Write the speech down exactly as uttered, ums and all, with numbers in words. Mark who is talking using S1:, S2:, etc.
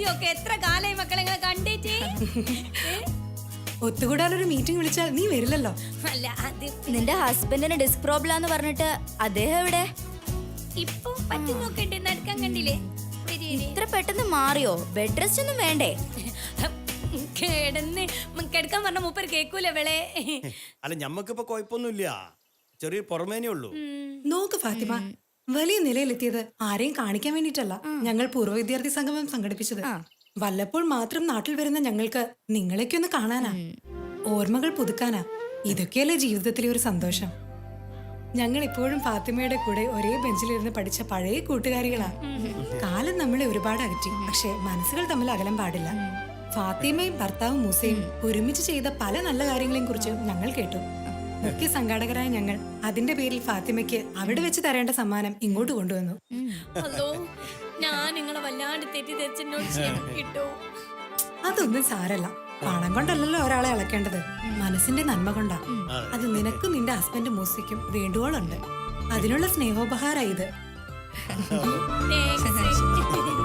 S1: ഒക്കെ എത്ര കാലായി മക്കളെ ഇങ്ങളെ കണ്ടിട്ട്.
S2: ഒത്തുകൂടാനൊരു മീറ്റിംഗ് വിളിച്ചാൽ നീ വരില്ലല്ലോ.
S1: അല്ല അത്
S3: നിന്റെ ഹസ്ബൻഡിന് ഡിസ്ക് പ്രോബ്ലം എന്ന് പറഞ്ഞിട്ട് അദ്ദേഹം എവിടെ?
S1: ഇപ്പൊ പറ്റി നോക്കട്ടെ, നടക്കാൻ കണ്ടില്ലേ?
S3: ഇത്ര പെട്ടെന്ന് മാറിയോ? ബെഡ് റെസ്റ്റ് ഒന്നും വേണ്ടേ?
S1: കിടന്ന് കിടക്കാൻ പറഞ്ഞ മൂപ്പർ കേക്കൂല വെളെ.
S4: അല്ല ഞമ്മക്കിപ്പോ കുഴപ്പമൊന്നുമില്ല, ചെറിയ പുറമേനേ ഉള്ളൂ.
S2: നോക്ക് ഫാത്തിമ, വലിയ നിലയിലെത്തിയത് ആരെയും കാണിക്കാൻ വേണ്ടിട്ടല്ല ഞങ്ങൾ പൂർവ്വ വിദ്യാർത്ഥി സംഗമം സംഘടിപ്പിച്ചത്. വല്ലപ്പോൾ മാത്രം നാട്ടിൽ വരുന്ന ഞങ്ങൾക്ക് നിങ്ങളെയൊക്കെ ഒന്ന് കാണാനാ, ഓർമ്മകൾ പുതുക്കാനാ. ഇതൊക്കെയല്ലേ ജീവിതത്തിലെ ഒരു സന്തോഷം. ഞങ്ങൾ ഇപ്പോഴും ഫാത്തിമയുടെ കൂടെ ഒരേ ബെഞ്ചിലിരുന്ന് പഠിച്ച പഴയ കൂട്ടുകാരികളാ. കാലം നമ്മളെ ഒരുപാട് അകറ്റി, പക്ഷെ മനസ്സുകൾ തമ്മിൽ അകലം പാടില്ല. ഫാത്തിമയും ഭർത്താവും മൂസയും ഒരുമിച്ച് ചെയ്ത പല നല്ല കാര്യങ്ങളെയും കുറിച്ച് ഞങ്ങൾ കേട്ടു. മുഖ്യ സംഘാടകരായ ഞങ്ങൾ അതിന്റെ പേരിൽ ഫാത്തിമയ്ക്ക് അവിടെ വെച്ച് തരേണ്ട സമ്മാനം ഇങ്ങോട്ട് കൊണ്ടുവന്നു.
S1: ഹലോ, ഞാൻ നിങ്ങളെ വല്ലാണ്ട് തെറ്റിദ്ധരിച്ചെന്നോട് കിട്ടോ.
S2: അതൊന്നും സാരല്ല, പണം കൊണ്ടല്ലല്ലോ ഒരാളെ അളക്കേണ്ടത്, മനസ്സിന്റെ നന്മ കൊണ്ടാ. അത് നിനക്കും നിന്റെ ഹസ്ബൻഡ് മൂസയ്ക്കും വേണ്ടുവോളുണ്ട്. അതിനുള്ള സ്നേഹോപഹാര ഇത്.
S1: Thanks.